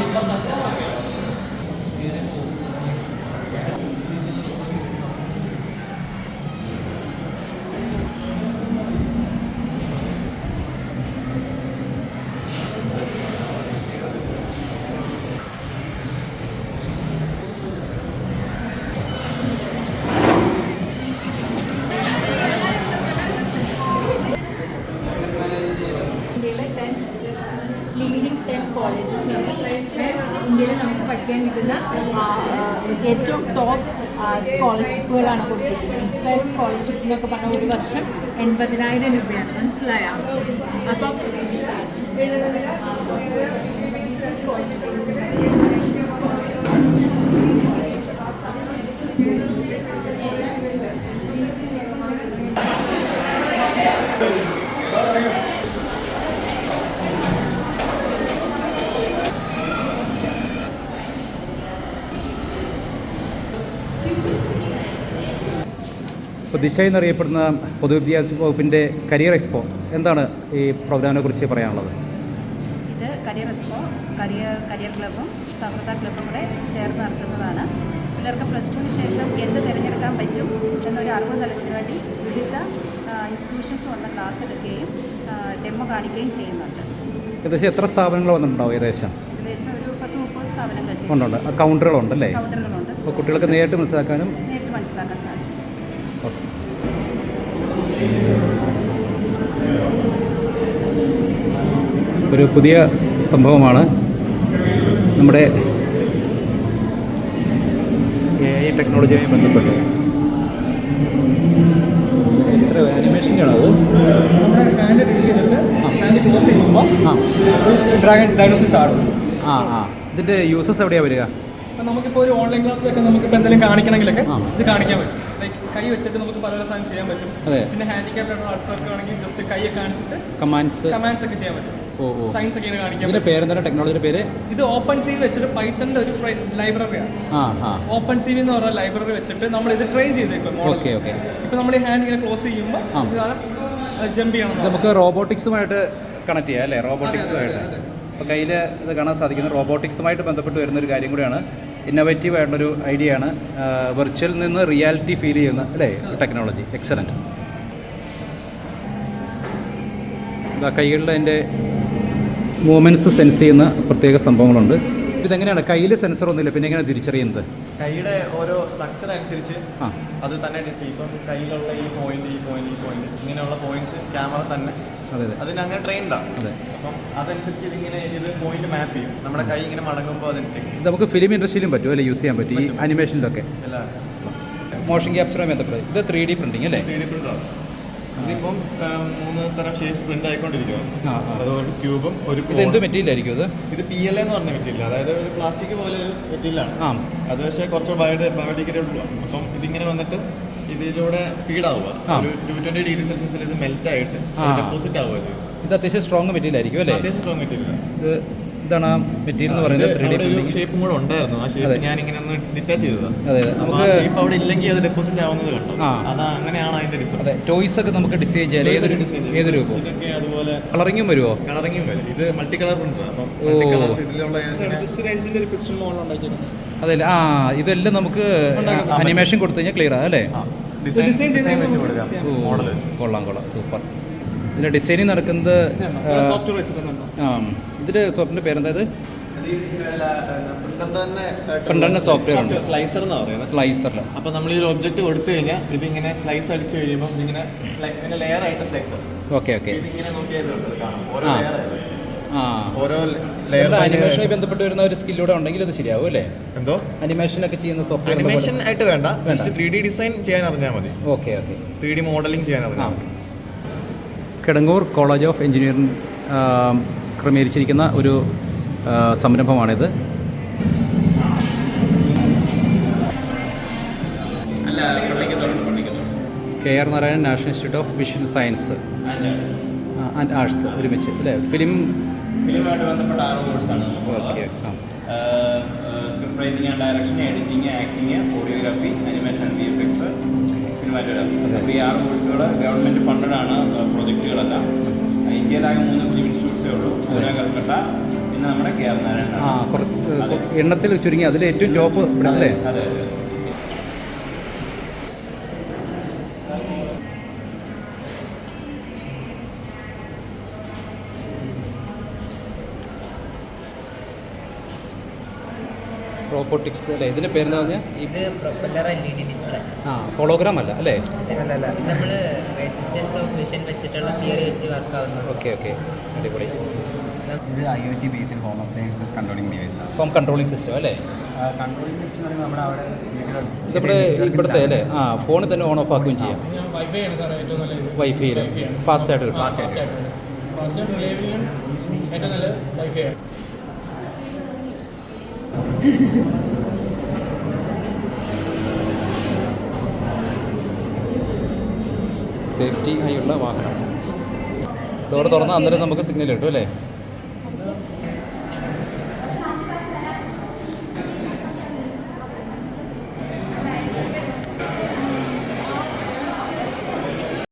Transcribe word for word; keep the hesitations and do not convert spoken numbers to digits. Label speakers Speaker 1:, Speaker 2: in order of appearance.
Speaker 1: Leading ten colleges ഇന്ത്യയിൽ നമുക്ക് പഠിക്കാൻ കിട്ടുന്ന ഏറ്റവും ടോപ്പ് സ്കോളർഷിപ്പുകളാണ് കൊടുത്തിരിക്കുന്നത്. ഇൻസ്പയർ സ്കോളർഷിപ്പ് എന്നൊക്കെ പറഞ്ഞാൽ ഒരു വർഷം എൺപതിനായിരം രൂപയാണ്. മനസ്സിലായോ? അപ്പം
Speaker 2: ഇപ്പോൾ ദിശ എന്നറിയപ്പെടുന്ന പൊതുവിദ്യാഭ്യാസ വകുപ്പിൻ്റെ കരിയർ എക്സ്പോ, എന്താണ് ഈ പ്രോഗ്രാമിനെ കുറിച്ച് പറയാനുള്ളത്?
Speaker 3: ഇത് കരിയർ എക്സ്പോ കരിയർ കരിയർ ക്ലബ്ബും സൗഹൃദ ക്ലബ്ബും കൂടെ ചേർന്ന് നടത്തുന്നതാണ്. പിള്ളേർക്ക് പ്ലസ് ടുവിന് ശേഷം എന്ത് തിരഞ്ഞെടുക്കാൻ പറ്റും എന്നൊരു അറിവ് നൽകുന്നതിന് വേണ്ടി വിവിധ ഇൻസ്റ്റിറ്റ്യൂഷൻസ് വന്ന് ക്ലാസ് എടുക്കുകയും ഡെമോ കാണിക്കുകയും ചെയ്യുന്നുണ്ട്.
Speaker 2: ഏകദേശം എത്ര സ്ഥാപനങ്ങൾ വന്നിട്ടുണ്ടാവും? ഏകദേശം
Speaker 3: ഏകദേശം ഒരു പത്ത് മുപ്പത് സ്ഥാപനങ്ങൾ
Speaker 2: ഉണ്ടുണ്ട്. കൗണ്ടറുകളുണ്ടല്ലേ?
Speaker 3: കൗണ്ടറുകളുണ്ട്.
Speaker 2: അപ്പോൾ കുട്ടികൾക്ക് നേരിട്ട് മനസ്സിലാക്കാനും
Speaker 3: നേരിട്ട് മനസ്സിലാക്കാൻ സാധിക്കും.
Speaker 2: ഓക്കെ. ഒരു പുതിയ സംഭവമാണ് നമ്മുടെ എ ഐ ടെക്നോളജിയുമായി ബന്ധപ്പെട്ട്. എക്സ്റേ ആനിമേഷൻ്റെ ആണോ അത്?
Speaker 4: നമ്മുടെ ഹാൻഡ് ഡ്രിൽ ചെയ്തിട്ട് ഹാൻഡ് ക്ലോസ് ചെയ്യുമ്പോൾ
Speaker 2: ആ
Speaker 4: ഡ്രാഗൺ ഡയഗ്നോസിസ് ആടും.
Speaker 2: ആ ആ ഇതിൻ്റെ യൂസസ് എവിടെയാണ് വരിക?
Speaker 4: അപ്പം നമുക്കിപ്പോൾ ഒരു ഓൺലൈൻ ക്ലാസ്സിലൊക്കെ നമുക്കിപ്പോൾ എന്തെങ്കിലും കാണിക്കണമെങ്കിലൊക്കെ
Speaker 2: ആ.
Speaker 4: ഇത് കാണിക്കാൻ പറ്റും. ലൈക്ക് കൈ വെച്ചിട്ട് നമുക്ക് പല പല സാധനം ചെയ്യാൻ പറ്റും.
Speaker 2: അതെ.
Speaker 4: പിന്നെ ഹാൻഡിക്യാപ്ഡ് ആൾക്കാർക്ക് ആണെങ്കിൽ ജസ്റ്റ് കൈ കാണിച്ചിട്ട്
Speaker 2: കമാൻഡ്സ്
Speaker 4: കമാൻഡ്സ് ഒക്കെ ചെയ്യാൻ പറ്റും.
Speaker 2: ഓ ഓ
Speaker 4: സയൻസ് ഒക്കെ ഇങ്ങനെ കാണിക്കാൻ
Speaker 2: ഇതിൻ്റെ
Speaker 4: പറ്റും.
Speaker 2: പേരെന്താണ്? ടെക്നോളജിയുടെ പേര്?
Speaker 4: ഇത് ഓപ്പൺ സി വെച്ചിട്ട് പൈത്തണിൻ്റെ ഒരു ലൈബ്രറിയാണ്.
Speaker 2: ആ ആ
Speaker 4: ഓപ്പൺ സി എന്ന് പറഞ്ഞ ലൈബ്രറി വെച്ചിട്ട് നമ്മൾ ഇത് ട്രെയിൻ ചെയ്തേക്കും.
Speaker 2: Okay okay.
Speaker 4: ഇപ്പോൾ നമ്മൾ ഈ ഹാൻഡ് ഇങ്ങനെ ക്ലോസ് ചെയ്യുമ്പോൾ
Speaker 2: ആ.
Speaker 4: ഇതാണ് ജമ്പ് ചെയ്യണം.
Speaker 2: നമുക്ക് റോബോട്ടിക്സുമായിട്ട് കണക്ട് ചെയ്യാം അല്ലേ? റോബോട്ടിക്സുമായിട്ട് അപ്പോൾ കയ്യിൽ ഇത് കാണാൻ സാധിക്കുന്നത് റോബോട്ടിക്സുമായിട്ട് ബന്ധപ്പെട്ട് വരുന്നൊരു കാര്യം കൂടിയാണ്. ഇന്നോവേറ്റീവ് ആയിട്ടുള്ളൊരു ഐഡിയ ആണ്. വെർച്വൽ നിന്ന് റിയാലിറ്റി ഫീൽ ചെയ്യുന്ന അല്ലേ ടെക്നോളജി. എക്സലൻറ്റ്. കൈകളിൽ അതിൻ്റെ മൂവ്മെൻറ്റ്സ് സെൻസ് ചെയ്യുന്ന പ്രത്യേക സംഭവങ്ങളുണ്ട്. ഇതെങ്ങനെയാണ്? കയ്യിൽ സെൻസർ ഒന്നുമില്ല, പിന്നെ എങ്ങനെ തിരിച്ചറിയുന്നത്?
Speaker 5: കൈയുടെ ഓരോ സ്ട്രക്ചർ അനുസരിച്ച്
Speaker 2: ആ
Speaker 5: അത് തന്നെ ഡിറ്റ്. ഇപ്പം കയ്യിലുള്ള ഈ പോയിന്റ് ഈ പോയിന്റ് ഈ പോയിന്റ് ഇങ്ങനെയുള്ള പോയിന്റ്സ് ക്യാമറ തന്നെ
Speaker 2: അതെ അതെ
Speaker 5: അതിന് അങ്ങനെ ട്രെയിൻഡാണ്.
Speaker 2: അതെ.
Speaker 5: അപ്പം അതനുസരിച്ച് ഇതിങ്ങനെ ഇത് പോയിന്റ് മാപ്പ് ചെയ്യും. നമ്മുടെ കൈ ഇങ്ങനെ മടങ്ങുമ്പോൾ അത് ഡിറ്റക്ട്
Speaker 2: ഇത് നമുക്ക് ഫിലിം ഇൻഡസ്ട്രിയിലും പറ്റും അല്ലേ? യൂസ് ചെയ്യാൻ പറ്റും ഈ അനിമേഷനിലൊക്കെ.
Speaker 5: എല്ലാം
Speaker 2: മോഷൻ ക്യാപ്ചറുമായി ബന്ധപ്പെട്ട് ഇത് ത്രീ ഡി പ്രിൻറ്റിങ് അല്ലേ?
Speaker 5: ത്രീ ഡി പ്രിൻ്ററാണ്. ഇതിപ്പം മൂന്ന് തരം ഷേപ്സ് പ്രിന്റ് ആയിക്കൊണ്ടിരിക്കുകയാണ്.
Speaker 2: ആ ആ
Speaker 5: അതുകൊണ്ട് ക്യൂബും ഒരു
Speaker 2: ഇത് എന്ത് മെറ്റീരിയൽ ആയിരിക്കും ഇത്?
Speaker 5: ഇത് പി എൽ എന്ന് പറഞ്ഞ മെറ്റീരിയൽ, അതായത് ഒരു പ്ലാസ്റ്റിക് പോലെ ഒരു മെറ്റീരിയലാണ്.
Speaker 2: ആ
Speaker 5: അത് പക്ഷേ കുറച്ച് ബയോ ബയോഡിഗ്രേഡബിൾ ആണ്. അപ്പം ഇതിങ്ങനെ വന്നിട്ട് ഇതിലൂടെ ഫീഡ് ആവുക. ഒരു ടു ട്വന്റി ഡിഗ്രി സെൽഷ്യസിൽ ഇത് മെൽറ്റ് ആയിട്ട് ഡെപ്പോസിറ്റ് ആവുക ചെയ്യും.
Speaker 2: ഇത് അത്യാവശ്യം സ്ട്രോങ് മെറ്റീരിയൽ ആയിരിക്കും അല്ലേ?
Speaker 5: അത്യാവശ്യം സ്ട്രോങ് മെറ്റീരിയൽ.
Speaker 2: ഇത് ഇതാണ് ആ മെറ്റീരിയൽ എന്ന് പറയുന്നത്. ത്രീ ഡി പ്രിന്റിംഗ്
Speaker 5: ഷേപ്പും കൂടെ ഉണ്ടായിരുന്നു. ആ ഷേപ്പ് ഞാൻ ഇങ്ങനെ ഒന്ന് ഡിറ്റാച്ച് ചെയ്തതാണ്.
Speaker 2: അതെ
Speaker 5: നമുക്ക് ഷേപ്പ് അവിടെ ഇല്ലെങ്കിൽ അത് ഡെപ്പോസിറ്റ് ആവുന്നത് കണ്ടോ? അതാ അങ്ങനെയാണ് അതിന്റെ ഡിഫറൻസ്.
Speaker 2: അതെ. ടോയ്സ് ഒക്കെ നമുക്ക് ഡിസൈൻ ചെയ്യാൻ ഏതൊരു ഏത് രൂപം
Speaker 5: ഇതൊക്കെ അതുപോലെ
Speaker 2: കളറിങ്ങും വരുമോ?
Speaker 5: കളറിങ്ങും വരും. ഇത് മൾട്ടി കളർ പ്രിന്റർ. അപ്പം മൾട്ടി കളേഴ്സ് ഇതിലുള്ള
Speaker 4: ഒരു പിസ്റ്റൺ മോഡൽ ഉണ്ടാക്കിയിട്ടുണ്ട്.
Speaker 2: അതല്ല ആ ഇതെല്ലാം നമുക്ക് അനിമേഷൻ കൊടുത്തു കഴിഞ്ഞാൽ ക്ലിയർ ആണ് അല്ലേ?
Speaker 5: ഡിസൈൻ ഡിസൈൻ വെച്ച് കൊടുക്കാം. മോഡൽ
Speaker 2: കൊള്ളാം കൊള്ളാം സൂപ്പർ. ഇതിൻ്റെ ഡിസൈനിങ് നടക്കുന്നത്
Speaker 4: സോഫ്റ്റ്വെയർ വെച്ചിട്ടുണ്ടോ?
Speaker 2: ആ ഇതിൻ്റെ സോഫ്റ്റ്വെയറിൻ്റെ പേരെന്തായത്?
Speaker 5: പ്രിന്ററിന്റെ
Speaker 2: സോഫ്റ്റ്വെയർ ഉണ്ട്.
Speaker 5: സ്ലൈസർ എന്ന് പറയുന്നത്.
Speaker 2: സ്ലൈസറിൽ
Speaker 5: അപ്പോൾ നമ്മൾ ഈ ഒബ്ജക്റ്റ് കൊടുത്തു കഴിഞ്ഞാൽ ഇതിങ്ങനെ സ്ലൈസ് അടിച്ചു കഴിയുമ്പോൾ ഇതിങ്ങനെ ഇങ്ങനെ ലെയർ ആയിട്ട് സ്ലൈസർ.
Speaker 2: Okay okay.
Speaker 5: ഇതിങ്ങനെ നോക്കിയാൽ കാണാം ഓരോ
Speaker 2: ആ.
Speaker 5: ലെയർ ആയിട്ട്.
Speaker 2: ആ
Speaker 5: ഓരോ ലെയർ
Speaker 2: അനിമേഷനുമായി ബന്ധപ്പെട്ട് വരുന്ന ഒരു സ്കില്ലൂടെ ഉണ്ടെങ്കിൽ അത് ശരിയാവും അല്ലേ?
Speaker 5: എന്തോ
Speaker 2: അനിമേഷൻ ഒക്കെ ചെയ്യുന്ന സോഫ്റ്റ്വെയർ
Speaker 5: അനിമേഷൻ ആയിട്ട് വേണ്ട, ജസ്റ്റ് ത്രീ ഡി ഡിസൈൻ ചെയ്യാൻ അറിഞ്ഞാൽ മതി.
Speaker 2: Okay okay.
Speaker 5: Three D modelling ചെയ്യാൻ അറിഞ്ഞാൽ മതി.
Speaker 2: കിടങ്ങൂർ കോളേജ് ഓഫ് എഞ്ചിനീയറിംഗ് ക്രമീകരിച്ചിരിക്കുന്ന ഒരു സംരംഭമാണിത്. K R Narayanan national institute of visual science and arts ഒരുമിച്ച് അല്ലേ? ഫിലിം
Speaker 6: ഫിലിമായിട്ട് ബന്ധപ്പെട്ട ആറ് കോഴ്സാണ്.
Speaker 2: Okay.
Speaker 6: Script writing and direction, editing, acting, audiography, animation, V F X, cinematography. അപ്പോൾ ഈ ആറ് കോഴ്സുകൾ ഗവൺമെൻറ് ഫണ്ടഡാണ് പ്രൊജക്റ്റുകളെല്ലാം. ഇന്ത്യയിലാകെ മൂന്ന് ഫിലിം ഇൻസ്റ്റിറ്റ്യൂട്ട്സേ ഉള്ളൂ. അതിനകത്ത് ടൊയോട്ട, പിന്നെ നമ്മുടെ കെ ആർ നാരായണ.
Speaker 2: ആ കുറച്ച് എണ്ണത്തിൽ ചുരുങ്ങി അതിൽ ഏറ്റവും ടോപ്പ് ഇവിടെ അല്ലേ?
Speaker 6: അതെ അതെ.
Speaker 2: റോബോട്ടിക്സ് അല്ലേ? ഇതിൻ്റെ പേരെന്താ പറഞ്ഞാൽ?
Speaker 7: ഇത് propeller L E D display.
Speaker 2: ആ ഹോളോഗ്രാം അല്ല അല്ലേ?
Speaker 7: നമ്മൾ റെസിസ്റ്റൻസ് ഓഫ് വിഷൻ വെച്ചിട്ടുള്ള തിയറി വെച്ച് വർക്ക് ആവുന്നത്.
Speaker 2: ഓക്കെ ഓക്കെ അടിപൊളി.
Speaker 8: ഇത് I O T based home appliances controlling ഡിവൈസാണ്.
Speaker 2: ഹോം കൺട്രോളിംഗ് സിസ്റ്റം അല്ലേ?
Speaker 8: കൺട്രോളിംഗ് സിസ്റ്റം എന്ന് പറയുമ്പോൾ നമ്മുടെ അവിടെ
Speaker 2: നമ്മുടെ ഇവിടുത്തെ അല്ലേ? ആ ഫോണിൽ തന്നെ ഓൺ ഓഫ് ആക്കുകയും ചെയ്യാം.
Speaker 4: വൈഫൈ ആണ് സാർ ഏറ്റവും നല്ലത്.
Speaker 2: വൈഫൈയിൽ ഫാസ്റ്റ് ആയിട്ട് കിട്ടും.
Speaker 4: ഫാസ്റ്റ് ആയിട്ട് ഫാസ്റ്റ് ആയിട്ട് റിലയബിളിനും ഏറ്റവും നല്ലത് വൈഫൈ ആണ്.
Speaker 2: സേഫ്റ്റി ആയുള്ള വാഹനം. ഡോർ തുറന്നാൽ അന്നേരം നമുക്ക് സിഗ്നൽ കിട്ടും അല്ലേ?